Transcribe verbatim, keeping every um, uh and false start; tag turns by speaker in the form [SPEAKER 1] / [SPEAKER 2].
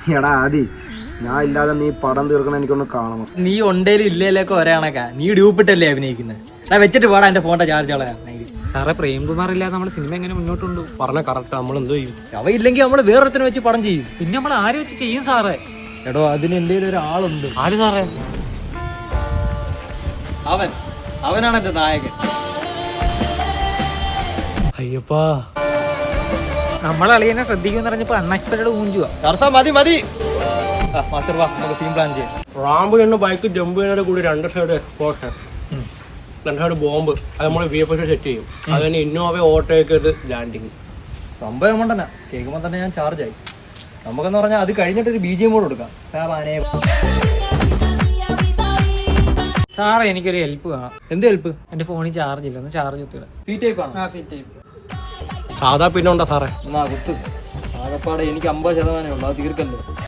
[SPEAKER 1] എടാ ആദി, ഞാൻ ഇല്ലാതെ നീ പടം തീർക്കണം, എനിക്കൊന്ന് കാണണം.
[SPEAKER 2] നീ ഉണ്ടേലും ഇല്ലേലൊക്കെ ഒരേ കണക്കാ. നീ ഡ്യൂപ്പിട്ടല്ലേ അഭിനയിക്കുന്നത്? ഞാൻ വെച്ചിട്ട് പോടാ എന്റെ ഫോണിന്റെ ചാർജ് കളയാ.
[SPEAKER 3] സാറേ, പ്രേംകുമാർ ഇല്ലാതെ നമ്മുടെ സിനിമ എങ്ങനെ മുന്നോട്ട് കൊണ്ടു? പറഞ്ഞ കറക്റ്റ്. നമ്മൾ എന്തോ ചെയ്യും?
[SPEAKER 2] അവ ഇല്ലെങ്കിൽ നമ്മൾ വേറൊരുത്തനെ വെച്ച് പടം ചെയ്യും.
[SPEAKER 3] പിന്നെ നമ്മൾ ആര് വെച്ച് ചെയ്യും സാറേ?
[SPEAKER 2] എടോ, അതിന് എന്തെങ്കിലും ഒരാളുണ്ട്.
[SPEAKER 3] ആര് സാറേ?
[SPEAKER 2] അവൻ അവനാണ് എന്റെ നായകൻ.
[SPEAKER 3] അയ്യപ്പാ,
[SPEAKER 2] നമ്മളളിയെന്നെ ശ്രദ്ധിക്കുമെന്ന് പറഞ്ഞപ്പോ അൺഎക്സ്പെക്ടഡ് ഊഞ്ചുവാ. മതി മതി മാസ്റ്റർ, വാ നമുക്ക് സീൻ പ്ലാൻ ചെയ്യാം.
[SPEAKER 3] റാമ്പ് എന്ന ബൈക്ക് ജമ്പ് ചെയ്യുന്നതിന്റെ കൂടി രണ്ട് സൈഡ് എക്സ്പോഷൻ, രണ്ട് സൈഡ് ബോംബ്, അത് നമ്മൾ വി എഫ് എസ് സെറ്റ് ചെയ്യും. അത് തന്നെ ഇന്നോവ ഓട്ടോയ്ക്ക് ലാൻഡിങ്.
[SPEAKER 2] സംഭവം കൊണ്ടന്നെ കേൾക്കുമ്പോൾ തന്നെ ഞാൻ ചാർജ് ആയി. നമുക്കെന്ന് പറഞ്ഞാൽ അത് കഴിഞ്ഞിട്ട് ഒരു ബി ജി എം കൂടെ കൊടുക്കാം.
[SPEAKER 3] സാറേ, എനിക്കൊരു ഹെൽപ്പ് കാണാം.
[SPEAKER 2] എന്ത് ഹെൽപ്പ്?
[SPEAKER 3] എന്റെ ഫോണിൽ ചാർജ് ഇല്ല, ഒന്ന് ചാർജ് കുത്തിയിടാം.
[SPEAKER 2] സി ടൈപ്പ് ആണ്.
[SPEAKER 3] ആ, സി ടൈപ്പ്. സാധാ പിന്നെ ഉണ്ടോ സാറേ?
[SPEAKER 2] എന്നാ കുത്ത്. ആകപ്പാടെ എനിക്ക് അമ്പത് ശതമാനമേ ഉള്ളൂ, അത് തീർക്കല്ലോ.